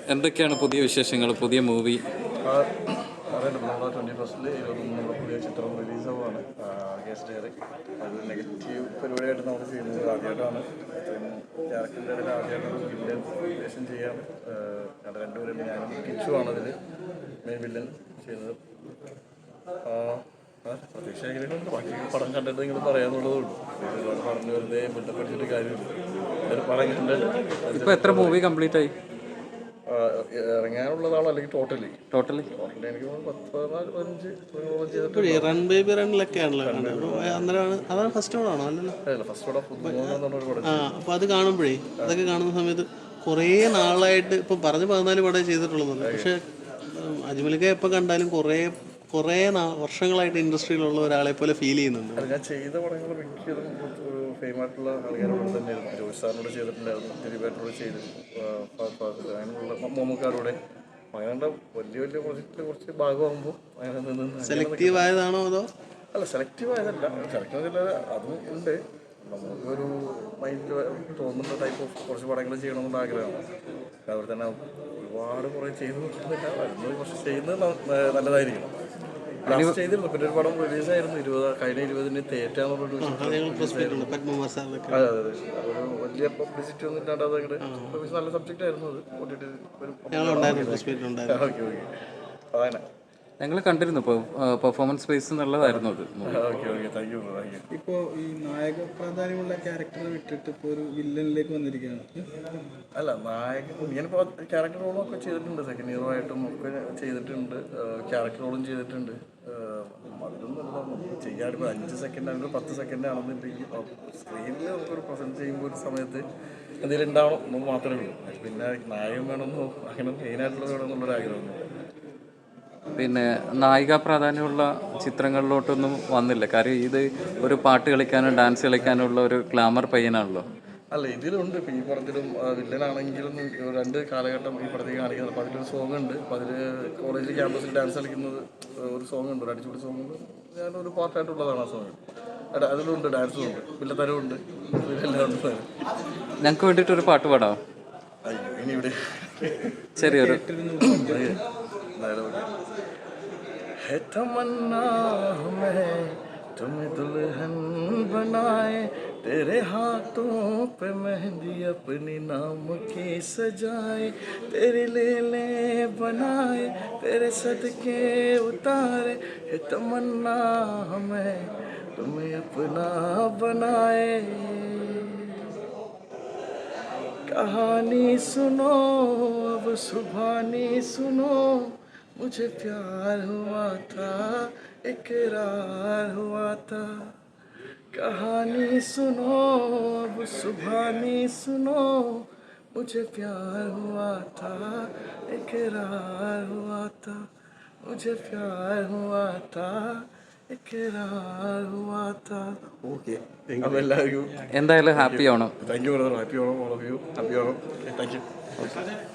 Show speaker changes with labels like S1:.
S1: എന്തൊക്കെയാണ് പുതിയ വിശേഷങ്ങൾ, പുതിയ മൂവി?
S2: അറിയാലോ, നമ്മൾ 21 നമ്മുടെ പുതിയ ചിത്രം റിലീസാവുകയാണ്. ഗസ്റ്റ് ഡയറി അത് നെഗറ്റീവ് പരിപാടിയായിട്ട് നമ്മൾ ചെയ്യുന്നത് ആദ്യമായിട്ടാണ്. ക്യാരക്ടറിൻ്റെ ഇടയിൽ ആദ്യമായിട്ടൊരു വില്ലൻ വേഷം ചെയ്യാണ്. രണ്ടുപേരും ഞാനും കിച്ചുവാണ് അതിൽ മെയിൻ വില്ലൻ ചെയ്യുന്നത്. പ്രതീക്ഷ എങ്ങനെയുണ്ട്, ബാക്കി പടം കണ്ടിട്ട് നിങ്ങൾ പറയാന്നുള്ളതേ ഉള്ളൂ. ഒരുപാട് പറഞ്ഞു വെറുതെ ബന്ധപ്പെടുത്തിയിട്ട് കാര്യമില്ല. ഒരു പടം കണ്ടിട്ട്
S1: ഇപ്പോൾ എത്ര മൂവി കംപ്ലീറ്റ് ആയി?
S2: ഇറങ്ങാനുള്ളതാണോ അല്ലെങ്കിൽ ടോട്ടലി എനിക്ക് 10-15
S3: റൺ ബേബി റണ്ണിലൊക്കെയാണല്ലോ അതാണ് ഫസ്റ്റ് പടമാണോ?
S2: അല്ലല്ലോ, ഫസ്റ്റ് പടം പുതുമുഖം.
S3: അപ്പോൾ അത് കാണുമ്പോഴേ, അതൊക്കെ കാണുന്ന സമയത്ത് കുറേ നാളായിട്ട് ഇപ്പം പറഞ്ഞ് 14 പടമേ ചെയ്തിട്ടുള്ളത്. പക്ഷേ അജ്മലിക്ക എപ്പോൾ കണ്ടാലും കുറേ വർഷങ്ങളായിട്ട് ഇൻഡസ്ട്രിയിലുള്ള ഒരാളെ പോലെ ഫീൽ ചെയ്യുന്നുണ്ട്.
S2: ഞാൻ ചെയ്ത പടങ്ങൾ മിക്കതും ഒരു ഫെയിമായിട്ടുള്ള ആൾക്കാരോട് തന്നെയായിരുന്നു. ജോഷ് സാറിനോട് ചെയ്തിട്ടുണ്ടായിരുന്നു, ദിലീപേട്ടനോട് ചെയ്തിട്ടുണ്ട്, അങ്ങനെയുള്ള മമ്മൂക്കാരോടെ. അങ്ങനെ വലിയ പ്രൊജക്റ്റിൽ കുറച്ച് ഭാഗമാകുമ്പോൾ അങ്ങനെ നിന്ന്
S3: സെലക്റ്റീവ് ആയതാണോ അതോ?
S2: അല്ല, സെലക്റ്റീവ് ആയതല്ല. സെലക്റ്റീവ് അതും ഉണ്ട്. നമുക്കൊരു മൈൻഡിൽ തോന്നുന്ന ടൈപ്പ് ഓഫ് കുറച്ച് പടങ്ങൾ ചെയ്യണമെന്നുള്ള ആഗ്രഹമാണ്. അതുപോലെ തന്നെ ഒരുപാട് കുറേ ചെയ്തു നോക്കുന്നില്ല, വരുന്നത് കുറച്ച് ചെയ്യുന്നത് നല്ലതായിരിക്കണം. ലാസ്റ്റ് ചെയ്തിരുന്നു. പിന്നെ ഒരു പടം റിലീസായിരുന്നു കഴിഞ്ഞ 20-ന് തേറ്റാന്നുള്ളൊരു അതെ ഒരു വലിയ പബ്ലിസിറ്റി ഒന്നും ഇല്ലാണ്ട് അതങ്ങോട്ട് നല്ല സബ്ജക്റ്റ് ആയിരുന്നു. അത് ഓക്കെ അതങ്ങനെ
S1: ഞങ്ങൾ കണ്ടിരുന്നു. ഇപ്പോൾ പെർഫോമൻസ് ബേസ് നല്ലതായിരുന്നു അത്.
S4: ഇപ്പോൾ ഈ നായക പ്രാധാന്യമുള്ള ക്യാരക്ടർ വിട്ടിട്ട് ഇപ്പോൾ ഒരു വില്ലനിലേക്ക് വന്നിരിക്കുകയാണ്.
S2: അല്ല, ഞാനിപ്പോൾ ക്യാരക്ടർ റോളൊക്കെ ചെയ്തിട്ടുണ്ട്. സെക്കൻഡ് ഹീറോ ആയിട്ടും ഒക്കെ ചെയ്തിട്ടുണ്ട്, ക്യാരക്ടർ റോളും ചെയ്തിട്ടുണ്ട്. അതിലൊന്നും ചെയ്യാനിപ്പോൾ 5 സെക്കൻഡ് ആണെങ്കിൽ 10 സെക്കൻഡ് ആണെന്നുണ്ടെങ്കിൽ സ്ക്രീനിൽ നമുക്കൊരു പ്രസൻറ്റ് ചെയ്യുമ്പോൾ ഒരു സമയത്ത് എന്തെങ്കിലും ഉണ്ടാവണം എന്ന് മാത്രമേ ഉള്ളൂ. പിന്നെ നായകൻ വേണമെന്നോ അങ്ങനെ മെയിനായിട്ടുള്ളത് വേണമെന്നുള്ളൊരു ആഗ്രഹമൊന്നും.
S1: പിന്നെ നായിക പ്രാധാന്യമുള്ള ചിത്രങ്ങളിലോട്ടൊന്നും വന്നില്ല. കാര്യം ഇത് ഒരു പാട്ട് കളിക്കാനും ഡാൻസ് കളിക്കാനുള്ള ഒരു ഗ്ലാമർ പയ്യനാണല്ലോ.
S2: അല്ല, ഇതിലുണ്ട്. ഇപ്പോൾ ഈ പടത്തിലും വില്ലനാണെങ്കിലും 2 കാലഘട്ടം ഈ പടത്തിൽ കാണിക്കുന്നത്. അപ്പോൾ അതിലൊരു സോങ് ഉണ്ട്. അപ്പോൾ അതിൽ കോളേജിൽ ക്യാമ്പസിൽ ഡാൻസ് കളിക്കുന്നത് ഒരു സോങ് ഉണ്ട്, ഒരു അടിച്ചുപൊളി സോങ് ഉണ്ട്. ഞാനൊരു പാർട്ടായിട്ടുള്ളതാണ് ആ സോങ്. അതിലുണ്ട്, ഡാൻസും ഉണ്ട്, വില്ലത്തരവുണ്ട്, എല്ലാം ഉണ്ട്.
S1: ഞങ്ങൾക്ക് വേണ്ടിയിട്ടൊരു പാട്ട് പാടാം.
S2: ഇനി ഇവിടെ
S1: ചെറിയൊരു
S2: है तमन्ना हमें तुम्हें दुल्हन बनाए, तेरे हाथों पे मेहंदी अपने नाम की सजाए, तेरे ले बनाए, तेरे सदके उतारे, है तमन्ना हमें तुम्हें अपना बनाए। कहानी सुनो अब सुभानी सुनो, मुझे प्यार हुआ था इकरार हुआ था। कहानी सुनो अब सुभानी सुनो, मुझे प्यार हुआ था इकरार हुआ था, मुझे प्यार हुआ था इकरार हुआ था. ഓക്കെ, എല്ലാവർക്കും
S1: എന്തായാലും ഹാപ്പി ആവണം.
S2: Thank you brother. ഹാപ്പി ആവണം, ഓൾ ഓഫ് യു ഹാപ്പി ആവണം. Thank U.